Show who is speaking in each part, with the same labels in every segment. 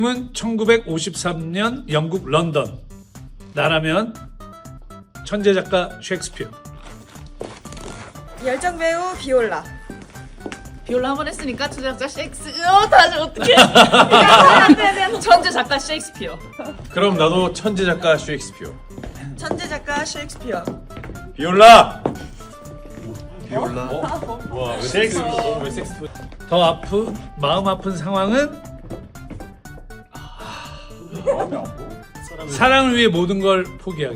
Speaker 1: 은 1953년 영국 런던. 나라면 천재 작가 셰익스피어.
Speaker 2: 열정 배우 비올라.
Speaker 3: 비올라 한 번 했으니까 천재 작가 셰익스피어. 다시 어떻게? 안돼 천재 작가 셰익스피어.
Speaker 4: 그럼 나도 천재 작가 셰익스피어.
Speaker 2: 천재 작가 셰익스피어.
Speaker 4: 비올라.
Speaker 1: 와, 왜
Speaker 4: 셰익스피어. 왜 셰익스피어?
Speaker 1: 더 마음 아픈 상황은 사랑을 위해 모든 걸 포기하기.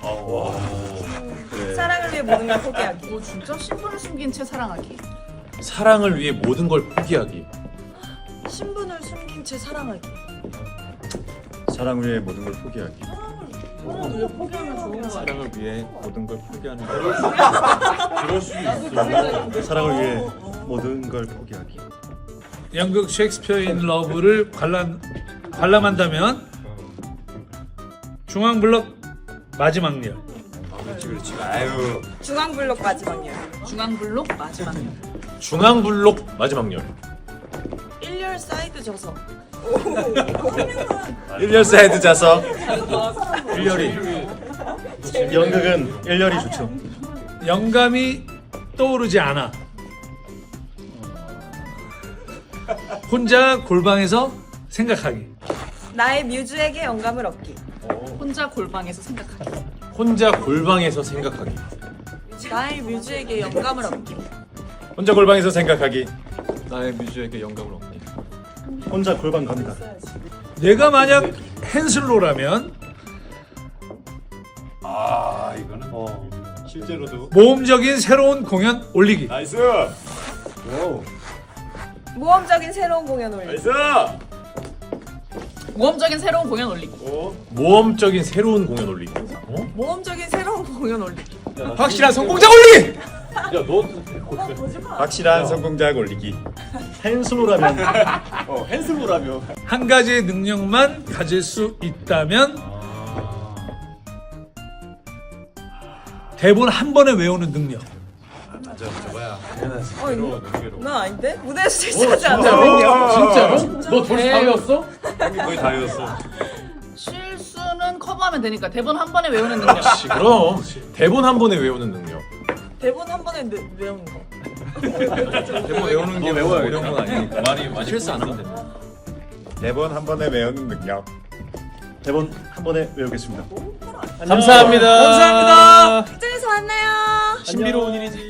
Speaker 2: 사랑을 위해 모든 걸 포기하기.
Speaker 3: 오 진짜 신분을 숨긴 채 사랑하기.
Speaker 4: 사랑을 위해 모든 걸 포기하기.
Speaker 2: 신분을 숨긴 채 사랑하기.
Speaker 5: 사랑 위해 모든 걸 포기하기.
Speaker 3: 포기하면 좋은 거 같아.
Speaker 5: 사랑을 위해 모든 걸 포기하는 거.
Speaker 4: 그럴 수 있어.
Speaker 5: 사랑을 위해 모든 걸 포기하기.
Speaker 1: 연극 셰익스피어 인 러브를 관람한다면 중앙블록 마지막 열.
Speaker 4: 그렇지. 아유.
Speaker 2: 중앙블록 마지막이야.
Speaker 3: 중앙블록 마지막.
Speaker 4: 중앙블록 마지막 열.
Speaker 2: 1열 사이드 저서.
Speaker 5: 1열 사이드 자서.
Speaker 4: 1열이.
Speaker 5: 연극은 1열이 좋죠.
Speaker 1: 영감이 떠오르지 않아. 혼자 골방에서 생각하기.
Speaker 2: 나의 뮤즈에게 영감을 얻기.
Speaker 3: 혼자 골방에서 생각하기.
Speaker 4: 혼자 골방에서 생각하기.
Speaker 2: 나의 뮤즈에게 영감을 얻기.
Speaker 4: 혼자 골방에서 생각하기.
Speaker 5: 나의 뮤즈에게 영감을 얻기. 혼자 골방 갑니다.
Speaker 1: 내가 만약 헨슬로라면
Speaker 5: 실제로도.
Speaker 1: 모험적인 새로운 공연 올리기.
Speaker 4: 나이스.
Speaker 2: 모험적인 새로운 공연 올리기.
Speaker 4: 나이스.
Speaker 3: 모험적인 새로운 공연 올리기.
Speaker 4: 모험적인 새로운 공연 올리기.
Speaker 2: 모험적인 새로운 공연 올리기.
Speaker 4: 확실한 성공작 올리기.
Speaker 5: 확실한 성공작 올리기. 헨슬로라면
Speaker 1: 한 가지의 능력만 가질 수 있다면 대본 한 번에 외우는 능력.
Speaker 2: 난 아닌데? 무대에서 대시하지 않잖아.
Speaker 1: 진짜로? 너 벌써 다 외웠어?
Speaker 4: 거의 다 외웠어.
Speaker 3: 실수는 커버하면 되니까 대본 한 번에 외우는 능력.
Speaker 4: 그럼 대본 한 번에 외우는 능력.
Speaker 2: 대본 한 번에 외우는 거.
Speaker 4: 대본 외우는 게 외워야 이런 건 아니니까. 많이 실수 안 하면 돼.
Speaker 5: 대본 한 번에 외우는 능력. 대본 한 번에 외우겠습니다.
Speaker 4: 감사합니다.
Speaker 1: 감사합니다.
Speaker 2: 극장에서 만나요.
Speaker 4: 신비로운 일이지.